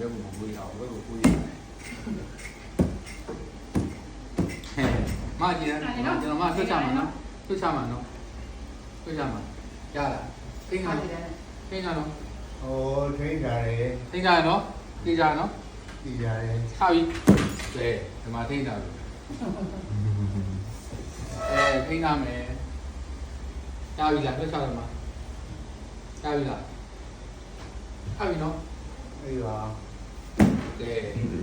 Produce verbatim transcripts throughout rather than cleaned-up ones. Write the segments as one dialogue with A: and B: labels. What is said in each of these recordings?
A: ဘက်ကိုကိုရအောင်ဘက်ကိုကိုရမကြည့်တယ်ကျွန်တော်မဆွတ်ချမှာနော်ဆွတ်ချမှာနော်ဆွတ်ချမှာရလားထိန်းထားထိန်းထားနော်
B: ဟိုထိန်းထားတယ်
A: ထိန်းထားနော်ထိန်းထားနော်
B: ထိန်းထားတယ်
A: ချပြီကဲဒီမှာထိန်းထားပြီအဲထိန်းထားမယ်ရပြီလားဆွတ်ချတော့မှာရပြီလားရပြီနော်
B: အေးပါ
A: ကဲ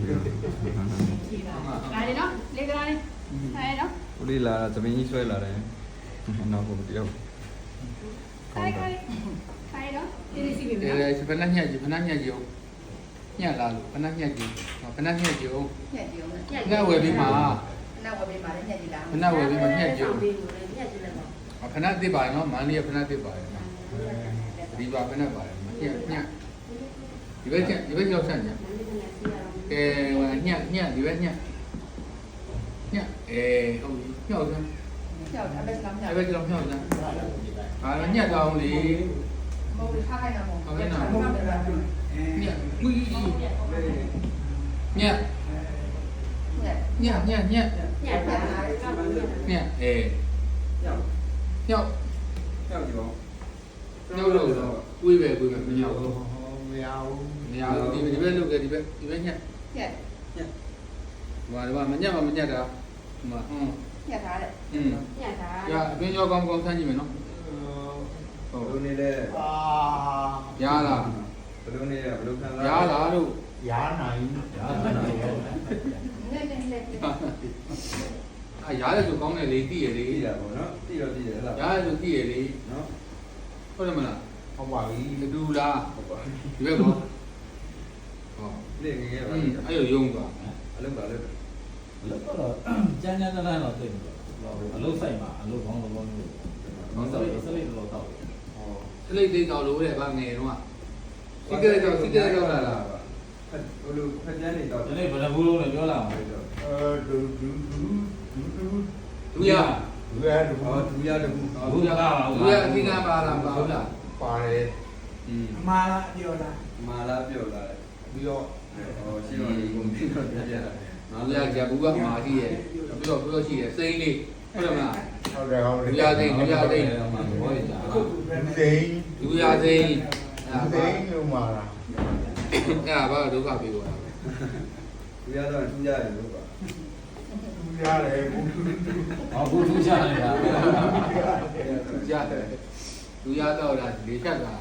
C: လာတယ်နော်လေကလာလေးဟဲ့နော်
D: ဦးလေးလာသမင်းကြီးဆွဲလာတယ်နောက်ကိုတယောက်
C: ခိုင်ခိုင်ခိုင်နော်ဒီစီပြီ
A: နော်အဲဖဏညက်ကြီးဖဏညက်ကြီးအောင်ညက်လာလို့ဖဏညက်ကြီးဖဏညက်ကြီးအောင်
C: ညက်ကြီးအောင်
A: ညက်ဝယ်ပြီးမှာ
C: ဖဏဝယ်ပြီးမှာလည်းညက်ကြီးလာ
A: ဖဏဝယ်ပြီးမှာညက်ကြီး
C: အောင်ညက်ကြီးလည်းပေါ့
A: ဖဏတစ်ပါနော်မန္တလေးကဖဏတစ်ပါတယ်ဒီပါဖဏပါတယ်ညက်ညက်ဒီဘက်ညက်ဒီဘက်ရောက်ဆက်ညက်ကဲဟိုညက်ညက်ဒီဘက်ညက်ညက်အဲဟုတ်ပြီညောက်စမ်း
C: ညောက်အဲ့ဘက်လောက်ညောက်
A: အဲ့ဘက်လောက်ညောက်စမ်းဟာညက်တောင်းလေ
C: မဟုတ်ဘူးထားခိုင်းတာမဟုတ်
A: ဟုတ်ကဲ့နော်ညက်ဝီးညက်ညက်ညက်ညက်ညက်
C: ညက်ပါ
A: ညက်အဲညောက်ညောက်
D: ညောက်ကြော
A: ညောက်လို့ဝီးပဲဝီးပဲမညောက်ဘူး
B: မရဘူး
A: မရဘူးဒီဒီဘက်လုတ်ကဒီဘက်ဒီဘက်ညက်
C: ညက်
A: ညက်ဟိုကမညက်မမညက်တာဟိုမှာဟွန်း
C: ညက်ထားတဲ့
A: อืม
C: ညက်ထား
A: ရအတွင်းရောကောင်းကောင်းဆန်းကြည့်မယ်နော်
D: ဟုတ်ဘယ်လိုနေလဲ
B: အာ
A: ရလား
D: ဘယ်လိုနေလဲဘယ်လိုခံစား
A: ရလားတို့
B: ရနိုင်ရနိုင်
C: နည်းနည်းနည်း
A: အာရတယ်ဆိုကောင်းတယ်လေတိရလေ
D: သိတာပေါ့နော်သိတော့သိတယ်ဟဲ့လား
A: ရတယ်ဆိုတိရလေ
D: နော်
A: ဟုတ်တယ်မလား
B: ဟုတ်ပါပြီ
A: အတူလားဒီဘက်ကောဟော
D: နေငယ်ပါ
A: အဲ့လိုယုံသွား
D: အလုပ်ပါလို့
E: အလုပ်တော့ကျန်းကျန်းတန်းတန်းတော့သိတယ်အလုပ်ဆိုင်မှာအလုပ်ကောင်းကောင်းလို့ကောင်းတော့စလိတ်တော့တော့
A: ဟောစလိတ်သိတော့လို့တဲ့ဗာငယ်တော့စီကရက်တော့စီကရက်တော့လာလား
D: ဘလို့ဖက်ကျန်းနေတော့
E: ဒီနေ့ဘယ်နှဘူးလုံးနဲ့ပြောလာအောင်
B: အဲဒူဒူဒူဒူဒူ
A: ဒူရ
B: ဒူရဒူ
D: ဟောဒူရဒူ
E: ဘူးရပါဘူး
A: ဒူရအခင်ကပါလားပါဟုတ်လား
B: ပါတယ်
A: อืม
B: မာလာပြောတာ
D: မာလာပြောလာတယ်
B: ပြီးတော့
D: ဟောရှင်းတော့ဒီကုန်ပြီးတော့ပြပြတာ
A: ငါလည်းကြာဘူးကမာရှိရဲ့ပြီးတော့ပြီးတော့ရှိရဲ့စိမ့်လေးဟုတ်တယ်မလား
B: ဟုတ်တယ်ဟုတ်တယ်
A: ဒူရစိမ့်ဒူရစိမ့်
E: မှာဘောရတာ
B: ဒူစိန်
A: ဒူရစိမ့်
B: ဒူစိန်လို့မှာလား
A: အဲ့ဒါဘာဒုက္ခပေးသွားတာ
D: ဒူရတော့ထူးကြတယ်လို့ပါ
B: ဒူရတယ်ဘူး
E: ဟောဘူးထူးချနေတာ
A: ဒူရတယ်ဒူရတော့လားလေဖြတ်တာ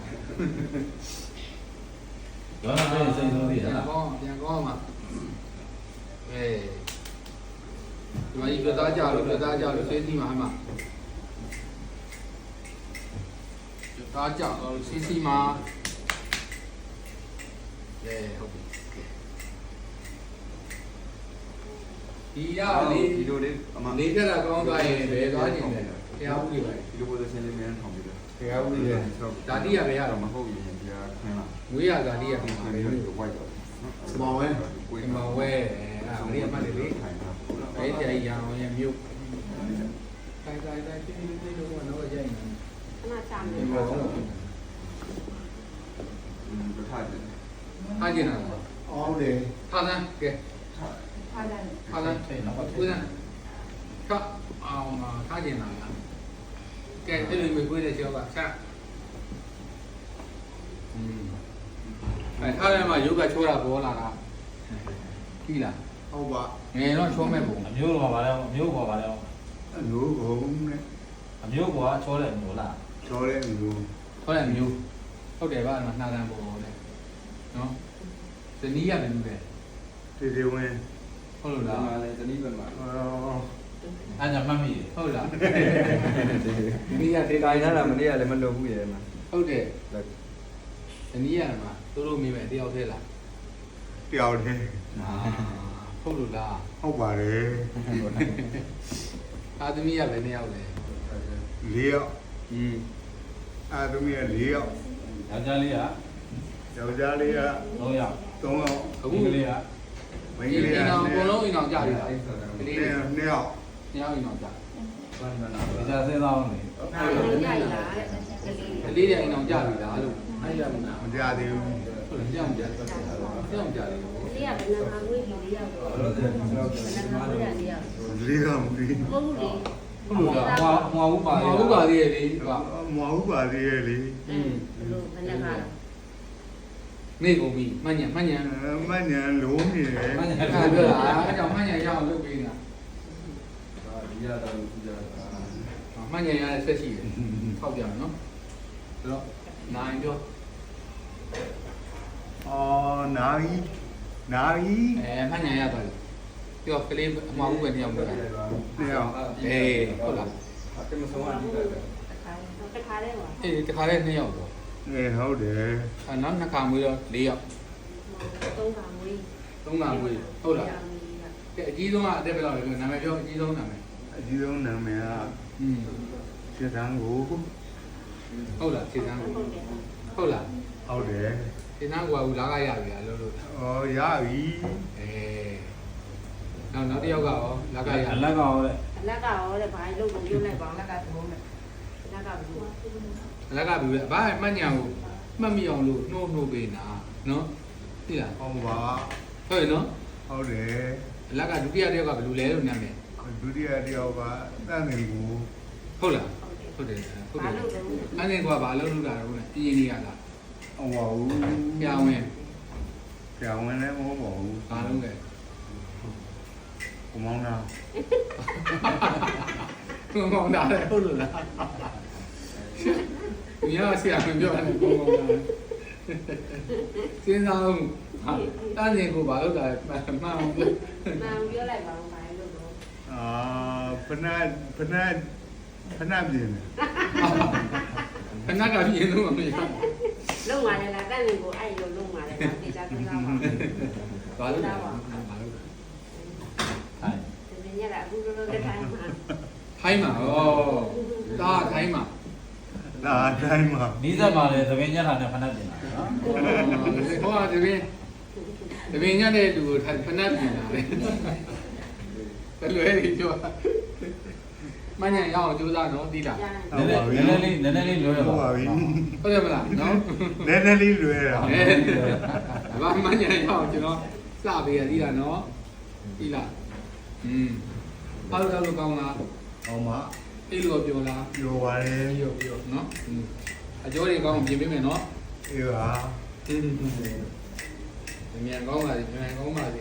E: တော့လည်းစိတ်ဆုံးသေး
A: ပြန်
E: လား
A: ကောင်းပြန်ကောင်းမှာအဲဒီမှာဒီပြသားကြလို့ပြသားကြလို့စေးစီမှာအမှပြသားကြလို့စေးစီမှာအဲဟုတ်ပြီဒီရလေ
D: ဒီလိုလေးအမ
A: နေပြတာကောင်းသွားရင်ဘယ်သွားနေလဲတရားဥပဒေပဲ
D: ဒီလိုပိုစင်းလေးမြန်ထောင်ပြီးတော့
B: တရားဥပဒေ
A: ဓာတိရပဲရတော့
D: မဟုတ်ရင်တရားခင်းလာ
A: ငွေရဓာတိရပြီပါလေ
D: ဝိုက်တော့
B: မောင်ဝဲ
A: ကိုမောင်ဝဲအဲ့ဒါလေးအမှတ်လေးလေးအဲ့ဒီအရာအောင်ရမြို့တိုင်းတိုင်းတိုင်းတိတိတိတော့တော့ရိုက်နေ
C: ခဏချမယ်
A: ဒီမှာတော့
D: อืมထားတယ်
A: ထားကျင်တာ
B: အော်တယ်
A: ထားတယ်ကဲ
C: ထားတယ်
A: ထားတယ်ကိုယ်ကထားအောင်ထားကျင်တာလားကဲအဲ့လိုမျိုးကိုယ်တဲ့ကျောက်ကဆက်อืมအဲထားတယ်မှာယောဂချိုးတာပေါ်လာတာပြီလား
B: ဟုတ်ပါ
A: ငယ်တော့ချိုးမဲ့ပုံ
E: အမျိုးပေါ်ပါလဲအမျိုးပေါ်ပါလဲ
B: အမျိုးဘုံနဲ့
E: အမျိုးပေါ်ကချောတယ်မျိုးလား
B: ချောတဲ့မျိုး
A: ချောတဲ့မျိုးဟုတ်တယ်ဗျာနှာတန်းပေါ်တယ်နော်ဇနီးရမယ်လို့ပဲ
B: တေတေဝင်
A: ဟုတ်လို့လား
D: မာလဲဇနီးပဲမှာ
B: အော်
E: အဲ့ညမှတ်မိ
A: ဟုတ်လားဇနီးရဒေတာ
D: တိုင်းထားတာမနေ့ကလည်းမလုပ်ဘူးရဲ့မှာ
A: ဟုတ်တယ်ဇနီးရမှာတို့တို့မိမယ်တယောက်သေးလား
B: တယောက်တည်း
A: ဟုတ်လို့လား
B: ဟုတ်ပါတယ်
A: အာသမီးရပဲနှစ်ယောက်လေ
B: လေးယောက်
A: อืม
B: အာသမီးရလေးယောက်
E: ယောက်ျားလေးက
B: ယောက်ျားလေးက
E: သုံးယောက်
B: သုံးယောက်
A: အခု
E: ကလေးက
A: မိန်းကလေးကအိမ်အောင်အကုန်လုံးအိမ်အောင်ကြပြီလားကလေး
B: နှစ်ယောက်
A: နှစ်ယောက်အိမ်အောင်ကြ
E: ဘယ်မှာလဲဒါစဉ်းစားအောင်လေ
C: အဲ့ဒါရိုက်လာတဲ့
A: ကလေးတွေအိမ်အောင်ကြပြီလားလို့
E: အဲ့ရမနာ
B: မကြသေးဘူး
E: ဟုတ်တယ်ကြောင်ကြတယ်ကြောင်ကြတယ်
C: လေးကဘယ်နှခါကိုဒီလေးရောက်တော့ဘယ်နှခါကိုရလေးရောက်
B: လေးကမပြီး
C: မဟုတ်ဘူးလေ
E: ဟုတ်လားဟွာဟွာဥပါ
A: ဟောဥပါသေးရဲ့လေဟော
B: မဟုတ်ပါသေးရဲ့လေ
C: อืมဘယ်လိုဘယ်နှခါ
A: နေကုန်ပြီမှန်ညာမှန်ညာ
B: မညံလုံးနေတယ်
E: မညာ
A: အဲ့ဒါပြောတာအဲ့ကြောင့်မှန်ညာရအောင်လုပ်ပေးနေတာ
E: ဒီရတာလို့ဒီရတာ
A: မှန်ညာရတဲ့ဆက်ရှိတယ်ထောက်ပြမယ်နော်ဆိုတော့နိုင်ပြော
B: အော်နာရီနာရီ
A: အဲမှန်ညာရသွားပြီပြောကလေးအမှားဦးပဲတယောက်ပြောတာ
B: တယောက်
A: အေးဟုတ်လား
E: အဲ့မဆုံးအဒီက
C: တခါတခါလေးပါ
A: အေးတခါလေးနှစ်ယောက်ပေါ့
B: အေးဟုတ်တယ်
A: အဲနောက်နှစ်ခါမွေးတော့၄ယောက်
C: သုံးခါမွေး
A: သုံးခါမွေးဟုတ်လားကဲအကြီးဆုံးကအတက်ဘယ်လောက်လဲပြောနာမည်ပြောအကြီးဆုံးနာမည်
B: အကြီးဆုံးနာမည်က
A: อืม
B: စစ်တန်းကို
A: ဟုတ်လားခြေစမ်းကိုဟုတ်လား
B: ဟုတ်တယ်
A: ခြေစမ်းကိုကလာကရပြီလားလို့လို့
B: အော်ရပြီ
A: အဲနောက်နောက်တစ်ယောက်ကရောလာကရ
E: အလကောတဲ့
C: အလက်ကရောတဲ့ဘာလို့လုံးပြုတ်လိုက်ပါအလက်ကသုံးတယ်အလက်ကဘူး
A: လာကပြီလေဘာမှတ်ညာကိုမှတ်မိအောင်လို့နှိုးနှိုးပေးနာနော်သိလား
B: ဟုတ်ပါ
A: ဟုတ်ရနော်
B: ဟုတ်တယ်
A: လာကဒုတိယတစ်ယောက်ကဘယ်လိုလဲလို့နာမည်
B: ဒုတိယတယောက်ကတန်းနေကို
A: ဟုတ်လားဟုတ်တယ်ဟုတ်တယ်အဲ့ဒီကွာဘာလို့လုပ်တာလဲပြင်းနေရလား
B: ဟုတ်ပါဘူး
A: ပြောင်းဝင်
B: ပြောင်းဝင်လည်းမဟုတ်ပါဘူး
A: ဘာလုပ်လဲ
B: ကိုမောင်းတာ
A: ဘုံကောင်တာလေဟုတ်လို့လားမြားဆရာမပြောတယ်ဘုံကောင်တာစဉ်းစားအောင်ဟာတန်းနေကိုဘာလုပ်တာမှန်မှန်အောင်ပြော
C: မှန်ပြောလိုက်ပါဦးဘာလို့လို့
B: အာဖနာဖနာဖနာပြင်းတယ်
A: ခဏကပြင်းလို့မရ
C: လုံးပါလေလားကန့်နေကိုအဲ့လိုလုံးပါလေဘာတေချာပြန်လာပါ
A: ဘာလုပ်တာဘာလုပ်တာ
E: ဟိုင်း
C: ဒီနေ့ကအခုလိုလိုတက်ထိုင်မှာ
A: ထိုင်းမှာဩတာထိုင်းမှာ
B: ဒါအတိုင်းမှာ
E: နီးစပ်မှာလေသမင်းညတာနဲ့ဖဏတ်ပြင်တာနော်
A: ဟောဒီပင်ဒီပင်ညတဲ့လူကိုဖဏတ်ပြင်လာတယ်တလွဲကြီးပြောမညာရအောင်ကြိုးစားနော်တီးလား
E: နည်းနည်းလေးနည်းနည်းလေးလွယ်ရ
B: ဟုတ်
E: ပါ
B: ပါပြီ
A: ဟုတ်တယ်မလားနော်
B: နည်းနည်းလေးလွယ်တာ
A: အဲဘာမညာရအောင်ကျွန်တော်စပေးရတီးလားနော်တီးလားอืมဘာလို့တော့ကောင်းလား
B: ဟောမှာ
A: အေးလို့ပြောလား
B: ပြောပါလေ
A: ပြောပြောနော်အကျော်တွေကောင်းပြင်ပေးမယ်နော်
B: အေးပါ
A: မြန်ကောင်းပါစေမြန်ကောင်းပါစေ